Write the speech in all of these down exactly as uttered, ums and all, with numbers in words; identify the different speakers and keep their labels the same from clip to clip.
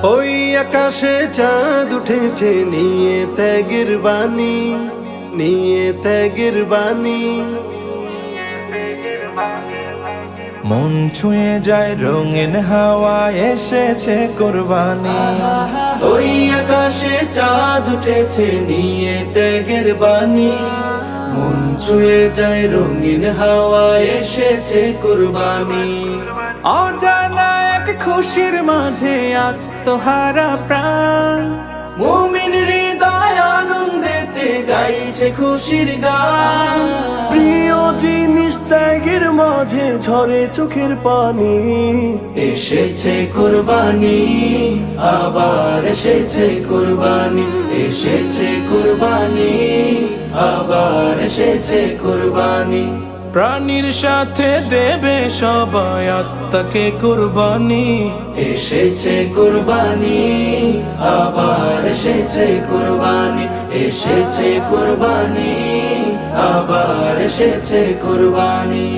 Speaker 1: ওই আকাশে চাঁদ উঠেছে নিয়ে ত্যাগের বাণী, নিয়ে ত্যাগের বাণী।
Speaker 2: মন ছুঁয়ে যায় রঙিন হাওয়া, এসেছে কুরবানি।
Speaker 1: ওই আকাশে চাঁদ উঠেছে নিয়ে ত্যাগের বাণী, মন ছুঁয়ে যায় রঙিন হাওয়া, এসেছে কুরবানি।
Speaker 2: অজানা এক খুশির মাঝে আত্মহারা প্রাণ,
Speaker 1: মুমিন হৃদয় আনন্দেতে গাইছে খুশির গান।
Speaker 2: প্রিয় জিনিস ত্যাগের মাঝে ঝরে চোখের পানি।
Speaker 1: এসেছে কুরবানি, আবার এসেছে কুরবানি, এসেছে কুরবানি, আবার এসেছে কুরবানি।
Speaker 2: প্রাণীর সাথে দেবে সবাই আত্মাকে কুরবানি।
Speaker 1: এসেছে কুরবানি, আবার এসেছে কুরবানি, এসেছে কুরবানি, আবার এসেছে কুরবানি।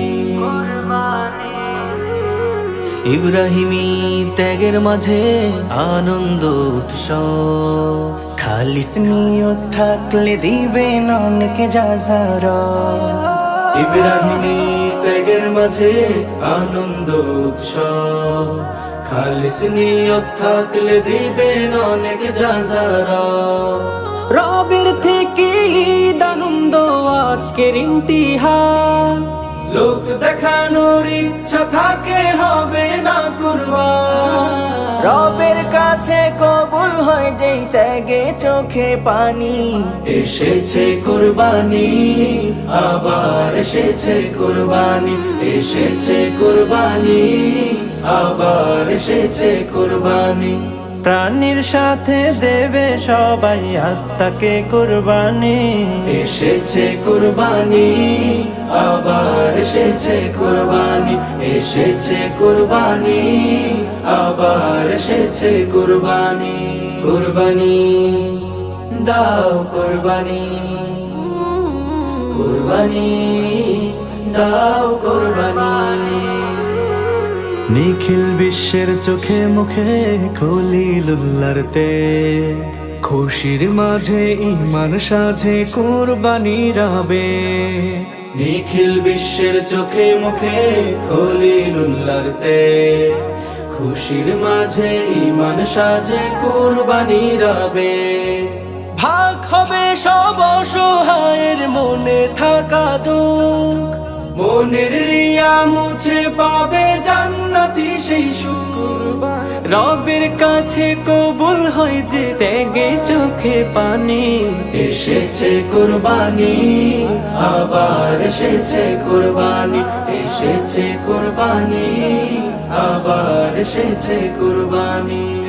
Speaker 3: ইব্রাহিমী ত্যাগের মাঝে আনন্দ উৎসব, খালিস নিয়ত থাকলে দিবেন অনেকে যাজারা।
Speaker 1: ইব্রাহিমী ত্যাগের মাঝে আনন্দ উৎসব, খালিস নিয়ত থাকলে দিবেন অনেক যাজারা।
Speaker 3: রবের থেকে ঈদ আনন্দ আজকের ইমতিহান,
Speaker 1: লোক দেখানোর ইচ্ছা থাকে হবে না কুরবান।
Speaker 3: রবের কাছে কবুল হয় যেই ত্যাগে চোখে পানি।
Speaker 1: এসেছে কুরবানি, আবার এসেছে কুরবানি, এসেছে কুরবানি, আবার এসেছে কুরবানি।
Speaker 2: প্রাণীর সাথে দেবে সবাই আত্মাকে কুরবানি।
Speaker 1: এসেছে কুরবানি, আবার এসেছে কুরবানি, এসেছে কুরবানি, আবার এসেছে কুরবানি। কুরবানি দাও কুরবানি, কুরবানি দাও কুরবানি।
Speaker 2: নিখিল বিশ্বের চোখে মুখে খলিলুল্লাহর তেজ, খুশির মাঝে ঈমান সাজে কুরবানির আবেগ।
Speaker 1: নিখিল বিশ্বের চোখে মুখে খলিলুল্লাহর তেজ, খুশির মাঝে ঈমান সাজে কুরবানির আবেগ।
Speaker 2: ভাগ হবে সব অসহায়ের মনে থাকা দুঃখ,
Speaker 1: মনের রিয়া মুছে পাবে জান্নাতি সেই সুখ।
Speaker 2: রবের কাছে কবুল হয় যে ত্যাগে চোখে পানি।
Speaker 1: এসেছে কুরবানি, আবার এসেছে কুরবানি, এসেছে কুরবানি, আবার এসেছে কুরবানি।